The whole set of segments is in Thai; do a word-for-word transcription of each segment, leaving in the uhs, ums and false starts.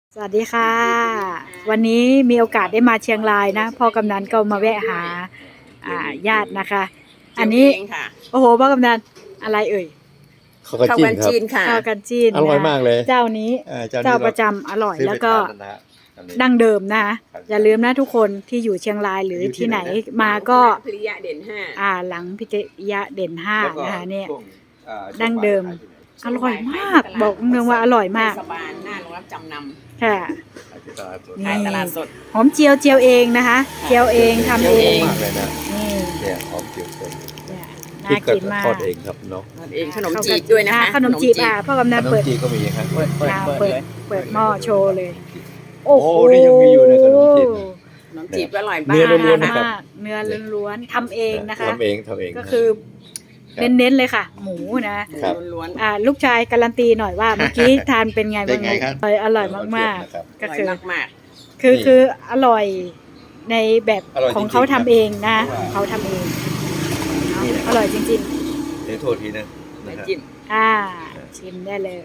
สวัสดีค่ะวันนี้มีโอกาสได้มาเชียงรายนะพ่อกำนันก็มาแวะหาอ่าญาตินะคะ อันนี้โอ้โหพ่อกำนันอะไรเอ่ยข้าวกันจีนครับข้าวกันจีนอร่อยมากเลยเจ้านี้เจ้าประจำอร่อยแล้วก็ดั้งเดิมนะคะอย่าลืมนะทุกคนที่อยู่เชียงรายหรือที่ไหนมาก็พิริยะเด่นห้าอ่าหลังพิริยะเด่นห้านะคะเนี่ยดั้งเดิมอร่อยมากบอกเมืองว่าอร่อยมากสบานหน้าโรงรับจำนำค่ะขายตลาดสดหอมเจียวเจียวเองนะคะเจียวเองทำเองนี่เนี่ยหอมเจียวเองน่ากินมากทอดเองครับเนาะทอดเองขนมจีบด้วยนะคะขนมจีบอ่ะพ่อกำนันเปิดขนมจีบก็มีครับเปิดเปิดเปิดเปิดหม้อโชว์เลยโอ้โหนี่ยังมีอยู่ในขนมจีบขนมจีบอร่อยมากเนื้อล้วนๆนะครับเนื้อล้วนๆทำเองนะคะทำเองทำเองก็คือเน้นๆเลยค่ะหมูนะล้วนๆอ่าลูกชายการันตีหน่อยว่าเมื่อกี้ทานเป็นไงบ้างอร่อยมากๆก็คือคือคืออร่อยในแบบของเขาทำเองนะเขาทำเองอร่อยจริงๆเดี๋ยวโทษทีนะจิ้มอ่าชิมได้เลย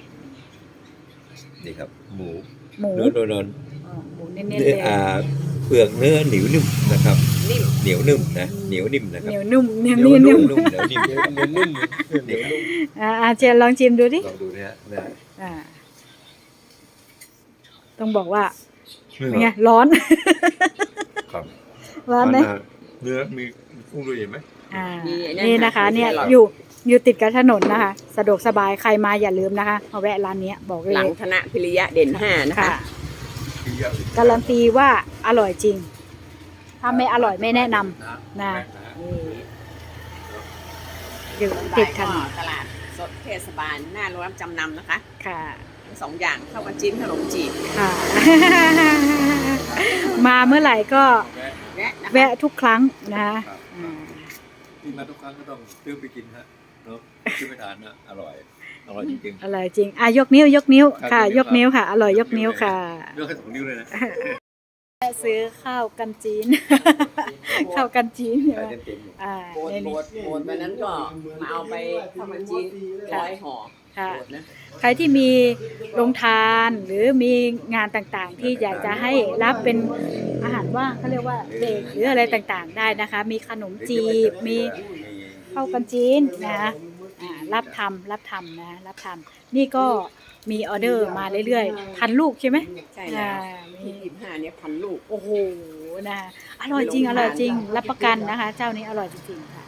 นี่ครับหมูหมูเนื้อโดนหมูเน้นๆเลยอ่าเปลือกเนื้อเหนียวนุ่มนะครับเหนียวนุ่มนะเหนียวนิ่มนะครับเหนียวนุ่มเหนียวนุ่มนุ่มเหนียวนิ่มเหนียวนุ่มเหนียวนุ่มอ่าเจนลองชิมดูดิลองดูเนี่ยนะอ่าต้องบอกว่าไงร้อนครับร้อนไหมเนื้อมีกุ้งด้วยเห็นไหมอ่านี่นะคะเนี่ยอยู่อยู่ติดกับถนนนะคะสะดวกสบายใครมาอย่าลืมนะคะมาแวะร้านนี้บอกเลยหลังคณะพิริยะเด่นห้านะคะการันตีว่าอร่อยจริงถ้าไม่อร่อยไม่แนะนำนะอยู่ติดถนนตลาดสดเทศบาลหน้าโรงรับจำนำนะคะค่ะทั้งสองอย่างข้าวกันจีนขนมจีบค่ะมาเมื่อไหร่ก็แวะทุกครั้งนะคะที่มาทุกครั้งก็ต้องซื้อไปกินฮะเนาะซื้อไปทานนะอร่อยอร่อยจริงอร่อยจริงอ่ะยกนิ้วยกนิ้วค่ะยกนิ้วค่ะอร่อยยกนิ้วค่ะยกให้สองนิ้วเลยนะซื้อข้าวกันจีนข้าวกันจีนใช่ไหมอ่าโบนโบนโบนวันนั้นก็มาเอาไปข้าวกันจีนร้อยห่อค่ะใครที่มีโรงทานหรือมีงานต่างๆที่อยากจะให้รับเป็นอาหารว่างเขาเรียกว่าเด็กหรืออะไรต่างๆได้นะคะมีขนมจีบมีข้าวกันจีนนะรับทำรับทำนะรับทำนี่ก็มีออเดอร์มาเรื่อยๆพันลูกใช่ไหมใช่แล้วมีสิบห้าเนี่ยพันลูกโอ้โหนะอร่อยจริงอร่อยจริงรับประกันนะคะเจ้านี้อร่อยจริงๆค่ะ